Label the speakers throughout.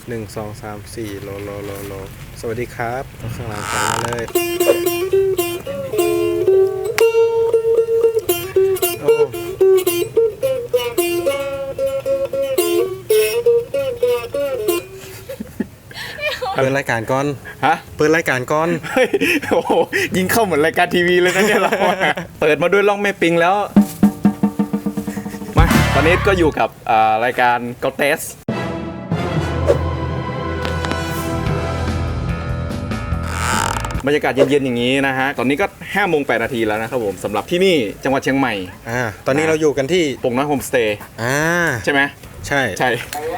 Speaker 1: 1 2 3 4โลสวัสดีครับข้างหลังกันมาเลยโอ้เปิดรายการก่อน
Speaker 2: ฮะ
Speaker 1: เปิดรายการก่อน
Speaker 2: เฮ้ยโอ้โหยิงเข้าเหมือนรายการทีวีเลยนะเนี่ยเราเปิดมาด้วยล่องแม่ปิงแล้วมาตอนนี้ก็อยู่กับรายการก็เทสบรรยากาศเย็นๆอย่างนี้นะฮะตอนนี้ก็5:08 นาทีแล้วนะครับผมสำหรับที่นี่จังหวัดเชียงใหม่
Speaker 1: ตอนนี้เราอยู่กันที่
Speaker 2: โป่งน้อยโฮมสเตย์ใช่ไหม
Speaker 1: ใช่
Speaker 2: ใช่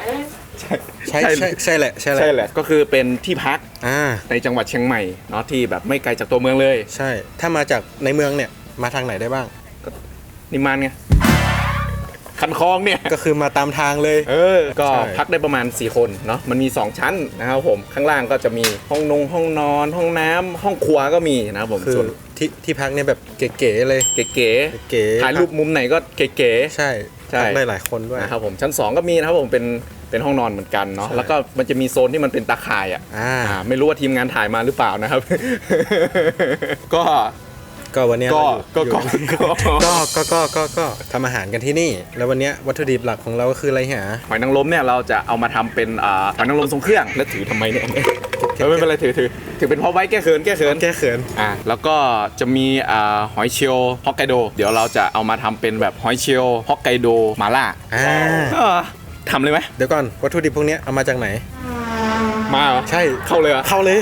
Speaker 1: ใช่แหละ
Speaker 2: ก็คือเป็นที่พักในจังหวัดเชียงใหม่เนาะที่แบบไม่ไกลจากตัวเมืองเลย
Speaker 1: ใช่ถ้ามาจากในเมืองเนี่ยมาทางไหนได้บ้าง
Speaker 2: นิมมานไงคันคลองเนี่ย
Speaker 1: ก็คือมาตามทางเลย
Speaker 2: ก็พักได้ประมาณ4คนเนาะมันมี2ชั้นนะครับผมข้างล่างก็จะมีห้องนอนห้องน้ำห้องครัวก็มีนะครับผม
Speaker 1: ส่วนที่พักเนี่ยแบบเก๋ๆเลย
Speaker 2: เก๋ถ่ายรูปมุมไหนก็เก๋
Speaker 1: ใช่ได้หลายคนด้วย
Speaker 2: นะครับผมชั้น2ก็มีนะครับผมเป็นห้องนอนเหมือนกันเนาะแล้วก็มันจะมีโซนที่มันเป็นตาข่ายไม่รู้ว่าทีมงานถ่ายมาหรือเปล่านะครับ
Speaker 1: ก็วันนี้ก็ทำอาหารกันที่นี่แล้ววันนี้วัตถุดิบหลักของเราก็คืออะไรฮะ
Speaker 2: หอยนางรมเนี่ยเราจะเอามาทำเป็นหอยนางรมทรงเครื่องแล้วถือทำไมเนี่ยไม่เป็นไรถือเป็นเพราะไว้แก้เขินแล้วก็จะมีหอยเชลล์ฮอกไกโดเดี๋ยวเราจะเอามาทำเป็นแบบหอยเชลล์ฮอกไกโดมาล่าทำเลยไหม
Speaker 1: เดี๋ยวก่อนวัตถุดิบพวกนี้เอามาจากไหน
Speaker 2: มา
Speaker 1: ใช่
Speaker 2: เข้าเลย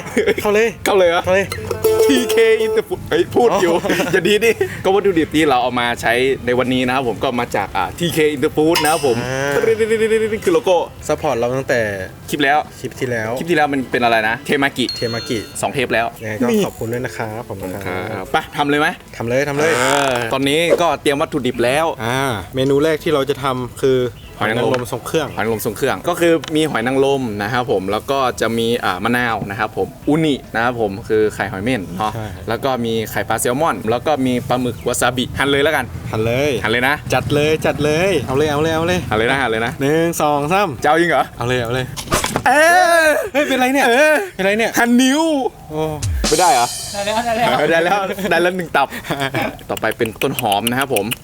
Speaker 2: TK Interfood พูดอยู่อย่าดีดิก็วัตถุดิบที่เราเอามาใช้ในวันนี้นะครับผมก็มาจากTK Interfood นะครับผมคือโลโก้
Speaker 1: ซัพพอร์ตเราตั้งแต่
Speaker 2: คลิปที่แล้วมันเป็นอะไรนะเทมากิ2 เทปแล้ว
Speaker 1: ก็ขอบคุณด้วยนะครับผม
Speaker 2: ครับไปทำเลยไหม
Speaker 1: ทำเลย
Speaker 2: ตอนนี้ก็เตรียมวัตถุดิบแล้ว
Speaker 1: เมนูแรกที่เราจะทำคือหอยนางรมทรงเครื่อง
Speaker 2: ก็คือมีหอยนางรมนะครับผมแล้วก็จะมีมะนาวนะครับผมอุนินะครับผมคือไข่หอยเม่นเนาะแล้วก็มีไข่ปลาแซลมอนแล้วก็มีปลาหมึกวาซาบิหั่นเลยแล้วกัน
Speaker 1: หั่นเลยนะ
Speaker 2: จัดเลย
Speaker 1: เอาเลยหั่นเลยนะ1 2 3
Speaker 2: เจ้ายิงเหรอ
Speaker 1: เอาเลยเฮ้ยเป็นไรเนี่ย
Speaker 2: หั่นนิ้วไม่ได้เหรอได้แล้ว1 ตับต่อไปเป็นต้นหอมนะครับผม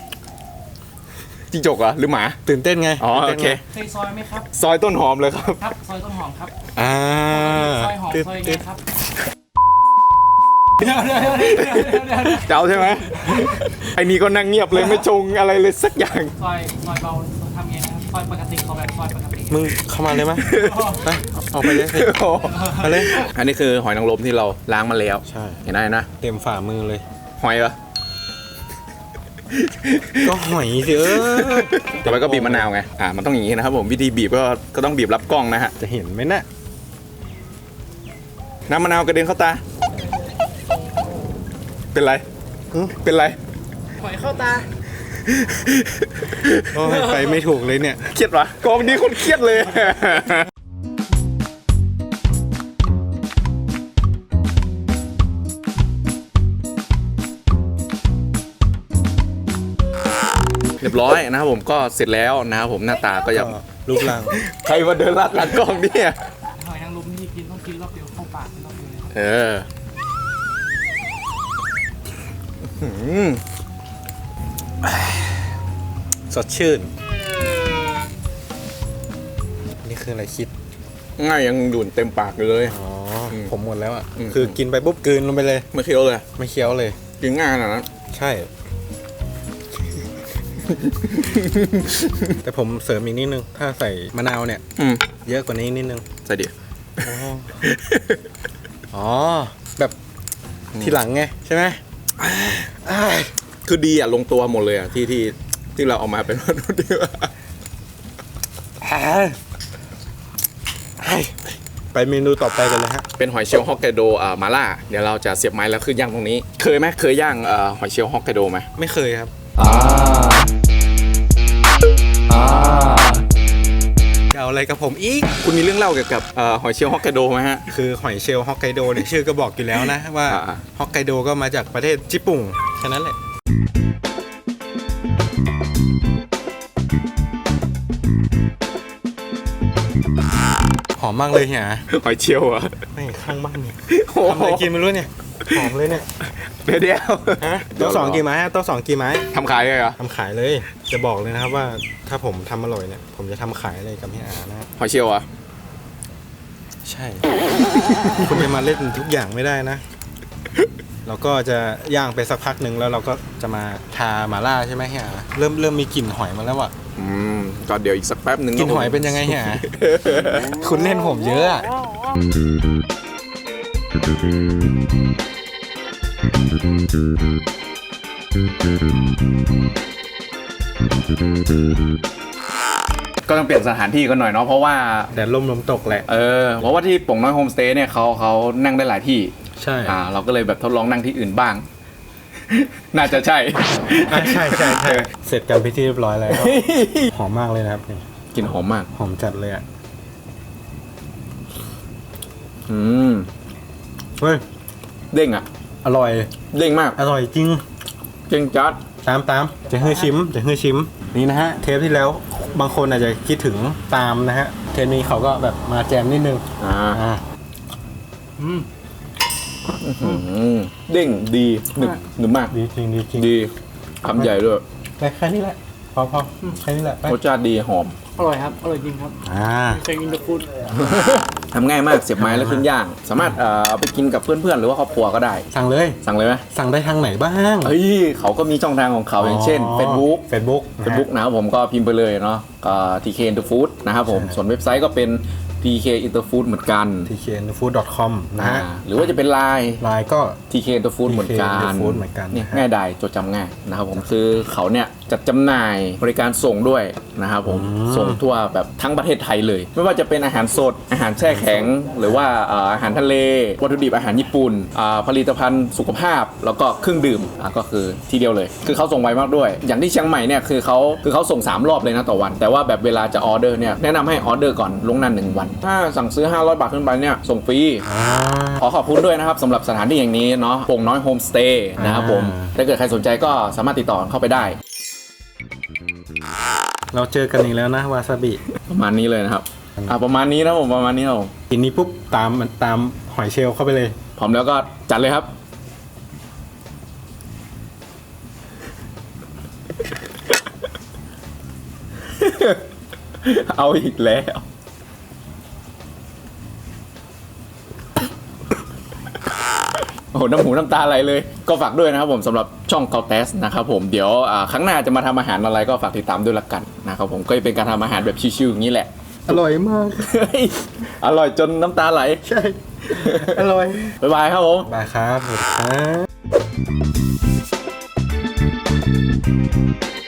Speaker 2: จิ้งจกเหรอหรือหมา
Speaker 1: ตื่นเต้นไง
Speaker 2: โอเค
Speaker 3: เคยซอยไหมครับ
Speaker 2: ซอยต้นหอมเลยครับ
Speaker 3: ซอยต้นหอมครับซอยหอมซอยไงครับ
Speaker 2: เจ้าใช่ไหมไอ้นี่ก็นั่งเงียบเลยไม่ชงอะไรเลยสักอย่าง
Speaker 3: ซอยเบาทำไงครับซอยปกติเขาแบบซอยปกติ
Speaker 1: มึงเข้ามาเลยมั้ยเอาไปเลยไปเลย
Speaker 2: อันนี้คือหอยนางรมที่เราล้างมาแล้ว
Speaker 1: ใช่
Speaker 2: เห็นได้นะ
Speaker 1: เต็มฝ่ามือเลย
Speaker 2: หอยเหรอ
Speaker 1: ก็หอยสิ
Speaker 2: ต่อไปก็บีบมะนาวไงมันต้องอย่างนี้นะครับผมวิธีบีบก็ต้องบีบรับกล้องนะฮะ
Speaker 1: จะเห็นไหมนะ
Speaker 2: น้ำมะนาวกระเด็นเข้าตาเป็นไร
Speaker 3: หอยเข้าตา
Speaker 1: ไปไม่ถูกเลยเนี่ย
Speaker 2: เครียดวะกองนี้คนเครียดเลยเรียบร้อยนะครับผมก็เสร็จแล้วนะครับผมหน้าตาก็ยัง
Speaker 1: รูปร่าง
Speaker 2: ใครมาเดินลาดหลังกล้องเนี่ย
Speaker 3: หอยนางรมที่กินต้องกินรอบเดียวเข้าปากรอบเดียว
Speaker 1: สดชื่นนี่คืออะไรคิด
Speaker 2: ง่ายยังดูดเต็มปากเลย
Speaker 1: ผมหมดแล้วคือกินไปปุ๊บกลืนลงไปเลย
Speaker 2: ไม่เคี้ยวเลยกินง่ายขนาดนั้น
Speaker 1: ใช่แต่ผมเสริมอีกนิดนึงถ้าใส่มะนาวเนี่ยเยอะกว่านี้นิดนึง
Speaker 2: ใส่ดิ
Speaker 1: แบบทีหลังไงใช่ไหม
Speaker 2: คือดีลงตัวหมดเลยที่เราเอามาเป็นวัตถุดิบ
Speaker 1: ไปเมนูต่อไปกันเลยฮะ
Speaker 2: เป็นหอยเชลล์ฮอกไกโดมาล่าเดี๋ยวเราจะเสียบไม้แล้วคือย่างตรงนี้เคยย่างหอยเชลล์ฮอกไกโดไหม
Speaker 1: ไม่เคยครับเอาอะไรกับผมอีก
Speaker 2: คุณมีเรื่องเล่าเกี่ยวกับหอยเชลล์ฮอกไกโดไหมฮะ
Speaker 1: คือหอยเชลล์ฮอกไกโดเนี่ยชื่อก็บอกอยู่แล้วนะว่าฮอกไกโดก็มาจากประเทศญี่ปุ่นแค่นั้นแหละหอมมากเลยเฮีย
Speaker 2: หอยเชียวอ่ะ
Speaker 1: ไม่ข้างบ้านเนี่ย
Speaker 2: โอ้
Speaker 1: ทำอะไรกินไม่รู้เนี่ยหอมเลยเนี่ย
Speaker 2: เดี๋ยว
Speaker 1: ฮะโต๊ะสองกี่ไม้ฮะโต๊ะสองกี่ไม้
Speaker 2: ทำขายเลยเหรอ
Speaker 1: ทำขายเลยจะบอกเลยนะครับว่าถ้าผมทำอร่อยเนี่ยผมจะทำขายอะไรกับเฮียอานะ
Speaker 2: หอยเชียวอ่ะ
Speaker 1: ใช่ คุณจะมาเล่นทุกอย่างไม่ได้นะ เราก็จะย่างไปสักพักหนึ่งแล้วเราก็จะมาทาหม่าล่าใช่ไหมเฮียเริ่มมีกลิ่นหอยมาแล้วอ่ะ
Speaker 2: ก็เดี๋ยวอีกสักแป๊บหนึ่ง
Speaker 1: กลิ่นหอยเป็นยังไงเฮีย คุณเล่นผมเยอะอะ
Speaker 2: ก็ต้องเปลี่ยนสถานที่กันหน่อยเนาะเพราะว่า
Speaker 1: แดดร่มลมตกแหละ
Speaker 2: เพราะว่าที่ป่งน้อยโฮมสเตย์เนี่ยเขานั่งได้หลายที่
Speaker 1: ใช่
Speaker 2: เราก็เลยแบบทดลองนั่งที่อื่นบ้าง น่าจะใช่
Speaker 1: ใช่เสร็จกันพิธีเรียบร้อยแล้ว หอมมากเลยนะครับนี่
Speaker 2: กลิ่นหอมมาก
Speaker 1: หอมจัดเลยอ่ะ เฮ้ย
Speaker 2: เด้งอ่ะ
Speaker 1: อร่อย
Speaker 2: เด้งมาก
Speaker 1: อร่อยจริง
Speaker 2: เด้งจัด
Speaker 1: ตามจะให้ชิมนี่นะฮะเทปที่แล้วบางคนอาจจะคิดถึงตามนะฮะเทปนี้เขาก็แบบมาแจมนิดนึง
Speaker 2: เด้งดีหนึบมาก
Speaker 1: ดีจริง
Speaker 2: ดีคำใหญ่ด้วย
Speaker 1: ไปแค่นี้แหละพอแค่นี้แหละไป
Speaker 2: รสชาติดีหอม
Speaker 3: อร่อยครับอร่อยจริงครับ เคยกินแต่ฟูด
Speaker 2: ทำง่ายมากเสียบไม้แล้วขึ้นย่าง สามารถเอาไปกินกับเพื่อนๆหรือว่าครอบครัวก็ได้
Speaker 1: สั่งเลย
Speaker 2: สั่งเลยไหม
Speaker 1: สั่งได้ทางไหนบ้าง
Speaker 2: เฮ้ยเขาก็มีช่องทางของเขาอย่างเช่น Facebook นะครับผมก็พิมพ์ไปเลยเนาะTK Interfood นะครับผมส่วนเว็บไซต์ก็เป็น TK Interfood เหมือนกัน
Speaker 1: tkenfood.com นะฮะ
Speaker 2: หรือว่าจะเป็น Line
Speaker 1: ไลน์ก็
Speaker 2: TK Interfood เหมือนกัน
Speaker 1: Interfood เหมือนกัน
Speaker 2: เนี่ยง่ายดายจดจำง่ายนะครับผมคือเขาเนี่ยจัดจำหน่ายบริการส่งด้วยนะครับผมส่งทั่วแบบทั้งประเทศไทยเลย ไม่ว่าจะเป็นอาหารสดอาหารแช่แข็ง หรือว่าอาหารทะเลวัตถุดิบอาหารญี่ปุ่นผลิตภัณฑ์สุขภาพแล้วก็เครื่องดื่มก็คือทีเดียวเลย คือเขาส่งไวมากด้วย อย่างที่เชียงใหม่เนี่ยคือเขาส่ง3รอบเลยนะต่อวัน แต่ว่าแบบเวลาจะออเดอร์เนี่ยแนะนำให้ออเดอร์ก่อนล่วงหน้า1 วัน ถ้าสั่งซื้อ500 บาทขึ้นไปเนี่ยส่งฟรีขอขอบคุณด้วยนะครับสำหรับสถานที่อย่างนี้เนาะโป่งน้อยโฮมสเตย์นะครับผมถ้าเกิดใครสนใจก็สามารถติดต่อเข้าไปได้
Speaker 1: เราเจอกันอีกแล้วนะวาซาบิ
Speaker 2: ประมาณนี้เลยนะครับประมาณนี้นะผมประมาณนี้ครับผม
Speaker 1: กินนี้ปุ๊บตามหอยเชลล์เข้าไปเลย
Speaker 2: พร้อมแล้วก็จัดเลยครับ เอาอีกแล้วโอ้โหน้ำหูน้ำตาไหลเลยก็ฝากด้วยนะครับผมสำหรับช่อง Caltest นะครับผมเดี๋ยวครั้งหน้าจะมาทำอาหารอะไรก็ฝากติดตามด้วยละกันนะครับผมก็จะเป็นการทำอาหารแบบชิวๆอย่างนี้แหละ
Speaker 1: อร่อยมาก
Speaker 2: อร่อยจนน้ำตาไหล
Speaker 1: ใช่ อร่อย
Speaker 2: บ๊ายบายครับผม
Speaker 1: บายครับสวัสดีครับ